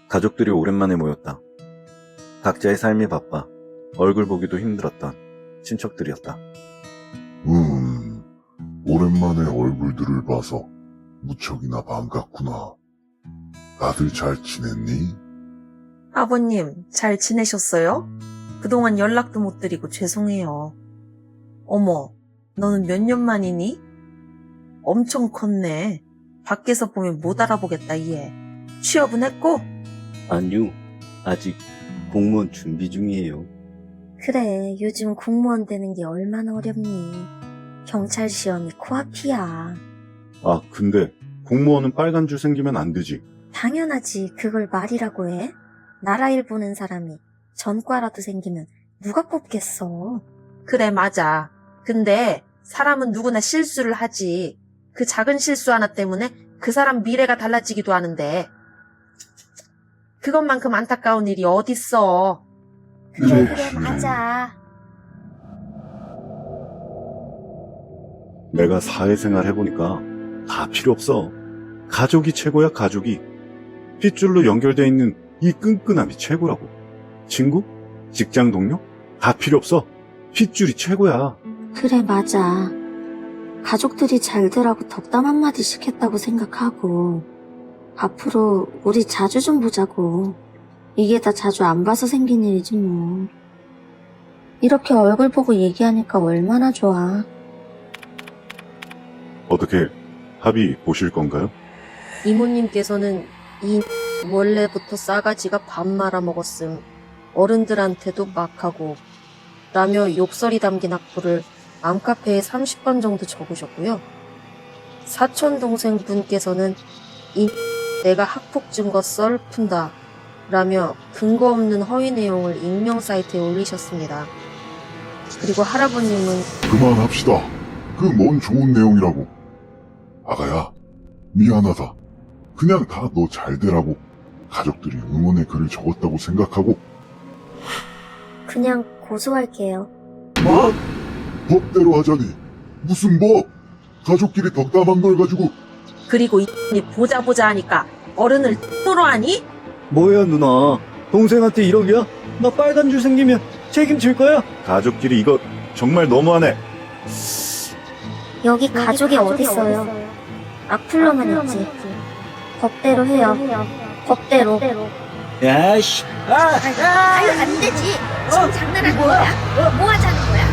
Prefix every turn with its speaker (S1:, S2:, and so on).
S1: 가족들이 오랜만에 모였다. 각자의 삶이 바빠 얼굴 보기도 힘들었던 친척들이었다.
S2: 오랜만에 얼굴들을 봐서 무척이나 반갑구나. 다들 잘 지냈니?
S3: 아버님, 잘 지내셨어요? 그동안 연락도 못 드리고 죄송해요. 어머, 너는 몇 년 만이니? 엄청 컸네. 밖에서 보면 못 알아보겠다, 얘. 취업은 했고?
S4: 아니요, 아직 공무원 준비 중이에요.
S5: 그래, 요즘 공무원 되는 게 얼마나 어렵니. 경찰 시험이 코앞이야.
S2: 아, 근데 공무원은 빨간 줄 생기면 안 되지.
S5: 당연하지, 그걸 말이라고 해? 나라 일 보는 사람이 전과라도 생기면 누가 뽑겠어.
S3: 그래, 맞아. 근데 사람은 누구나 실수를 하지. 그 작은 실수 하나 때문에 그 사람 미래가 달라지기도 하는데 그것만큼 안타까운 일이 어딨어.
S5: 그래, 맞아.
S2: 내가 사회생활 해보니까 다 필요 없어. 가족이 최고야, 가족이. 핏줄로 연결돼 있는 이 끈끈함이 최고라고. 친구? 직장 동료? 다 필요 없어. 핏줄이 최고야.
S5: 그래, 맞아. 가족들이 잘 되라고 덕담 한마디씩 했다고 생각하고 앞으로 우리 자주 좀 보자고. 이게 다 자주 안 봐서 생긴 일이지 뭐. 이렇게 얼굴 보고 얘기하니까 얼마나 좋아.
S2: 어떻게 합의 보실 건가요?
S3: 이모님께서는 이 원래부터 싸가지가 밥 말아 먹었음. 어른들한테도 막하고 라며 욕설이 담긴 악보를 맘카페에 30번 정도 적으셨고요. 사촌 동생 분께서는 이 내가 학폭 증거 썰 푼다 라며 근거 없는 허위 내용을 익명 사이트에 올리셨습니다. 그리고 할아버님은
S2: 그만합시다. 그 뭔 좋은 내용이라고. 아가야, 미안하다. 그냥 다 너 잘 되라고 가족들이 응원의 글을 적었다고 생각하고.
S5: 그냥 고소할게요.
S2: 뭐? 법대로 하자니. 무슨 법? 가족끼리 덕담한 걸 가지고.
S3: 그리고 이 보자 하니까 어른을 X로 하니?
S4: 뭐야 누나, 동생한테 1억이야? 나 빨간 줄 생기면 책임질 거야?
S2: 가족끼리 이거 정말 너무하네.
S5: 여기 가족이 어딨어요? 악플러만 있지. 법대로 해요. 법대로.
S4: 야씨,
S6: 아유, 안 되지. 지금 장난하는 거야? 뭐 하자는 거야?